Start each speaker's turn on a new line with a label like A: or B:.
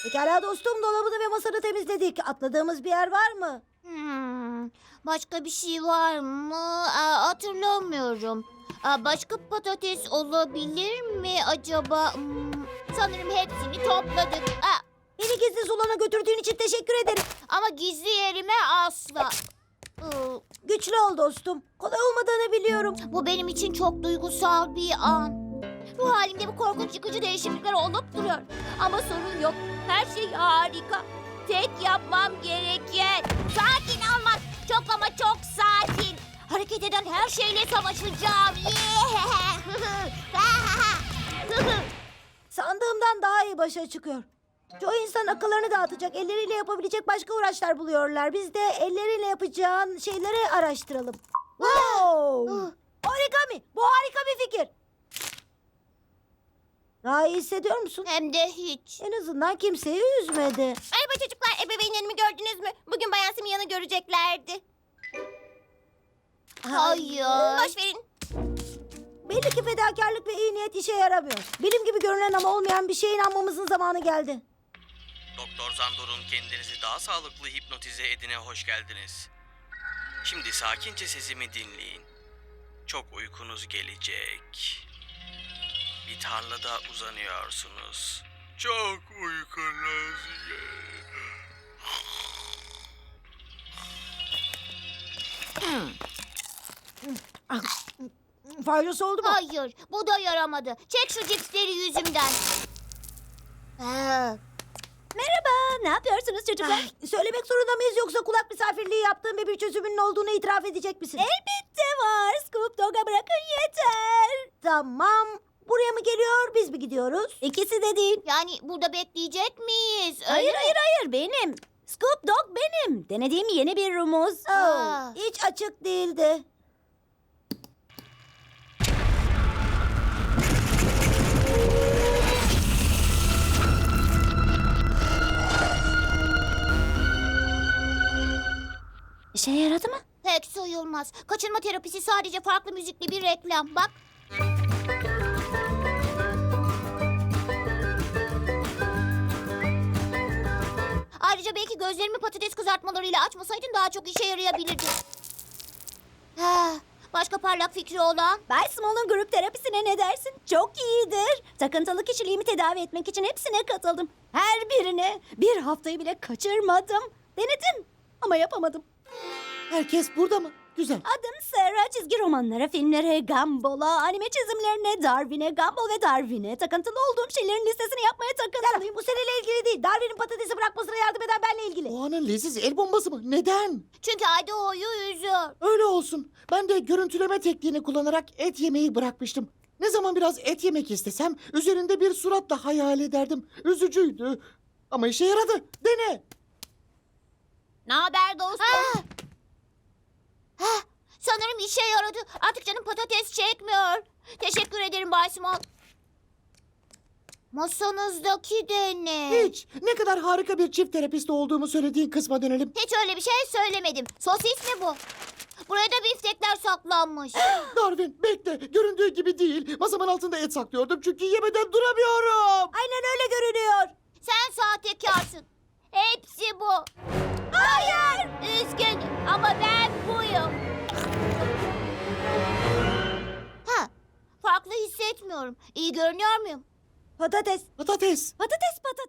A: Pekala dostum, dolabını ve masanı temizledik. Atladığımız bir yer var mı?
B: Başka bir şey var mı? Hatırlamıyorum. Başka patates olabilir mi acaba? Sanırım hepsini topladık.
A: Beni gizli solana götürdüğün için teşekkür ederim.
B: Ama gizli yerime asla.
A: Güçlü ol dostum. Kolay olmadığını biliyorum.
B: Bu benim için çok duygusal bir an. Ruh halimde bu korkunç yıkıcı değişiklikler olup duruyor. Ama sorun yok. Her şey harika. Tek yapmam gereken sakin olmak. Çok ama çok sakin. Hareket eden her şeyle savaşacağım.
A: Sandığımdan daha iyi başa çıkıyor. Çoğu insan akıllarını dağıtacak, elleriyle yapabilecek başka uğraşlar buluyorlar. Biz de elleriyle yapacağın şeyleri araştıralım. Wow! Origami! Bu harika bir fikir. Daha iyi hissediyor musun?
B: Hem de hiç.
A: En azından kimseyi üzmedi.
B: Merhaba çocuklar, ebeveynlerimi gördünüz mü? Bugün Bayan Simyan'ı göreceklerdi. Hayır. Boş verin.
A: Belli ki fedakarlık ve iyi niyet işe yaramıyor. Bilim gibi görünen ama olmayan bir şeye inanmamızın zamanı geldi.
C: Doktor Zandor'un kendinizi daha sağlıklı hipnotize edine hoş geldiniz. Şimdi sakince sesimi dinleyin. Çok uykunuz gelecek. Bir tarlada uzanıyorsunuz. Çok uykunuz
A: Faydası oldu mu?
B: Hayır, bu da yaramadı. Çek şu cipsleri yüzümden.
A: Merhaba, ne yapıyorsunuz çocuklar? Söylemek zorunda mıyız yoksa kulak misafirliği yaptığım ve bir çözümünün olduğunu itiraf edecek misin? Elbette var. Scoop Dog'a bırakın yeter. Tamam. Buraya mı geliyor, biz mi gidiyoruz? İkisi de değil.
B: Yani burada bekleyecek miyiz? Öyle
D: Hayır
B: mi?
D: hayır hayır benim. Scoop Dog benim. Denediğim yeni bir rumuz.
A: Hiç açık değildi.
D: İşe yaradı mı?
B: Pek sayılmaz. Kaçırma terapisi sadece farklı müzikli bir reklam. Bak. Ayrıca belki gözlerimi patates kızartmalarıyla açmasaydın daha çok işe yarayabilirdi. Başka parlak fikri olan?
D: Bay Small'un grup terapisine ne dersin? Çok iyidir. Takıntılı kişiliğimi tedavi etmek için hepsine katıldım. Her birine. Bir haftayı bile kaçırmadım. Denedim ama yapamadım.
A: Herkes burada mı? Güzel.
D: Adım Sarah. Çizgi romanlara, filmlere, Gumball'a, anime çizimlerine, Darwin'e, Gumball ve Darwin'e, takıntılı olduğum şeylerin listesini yapmaya takıntılıyım.
A: Bu seninle ilgili değil. Darwin'in patatesi bırakmasına yardım eden benle ilgili.
E: O anın leziz el bombası mı? Neden?
B: Çünkü Idaho'yu üzüyor.
E: Öyle olsun. Ben de görüntüleme tekniğini kullanarak et yemeyi bırakmıştım. Ne zaman biraz et yemek istesem üzerinde bir suratla hayal ederdim. Üzücüydü. Ama işe yaradı. Dene.
B: Ne haber dostum? Sanırım işe yaradı. Artık canım patates çekmiyor. Teşekkür ederim Bay Small. Masanızdaki de ne?
E: Hiç. Ne kadar harika bir çift terapist olduğumu söylediğin kısma dönelim.
B: Hiç öyle bir şey söylemedim. Sosis mi bu? Buraya da biftekler saklanmış.
E: Darwin bekle. Göründüğü gibi değil. Masamın altında et saklıyordum çünkü yemeden duramıyorum.
A: Aynen öyle görünüyor.
B: Sen sahtekarsın. Hepsi bu. Hayır. Üzgünüm ama ben buyum. Farklı hissetmiyorum. İyi görünüyor muyum?
A: Patates.
E: Patates.
D: Patates patates.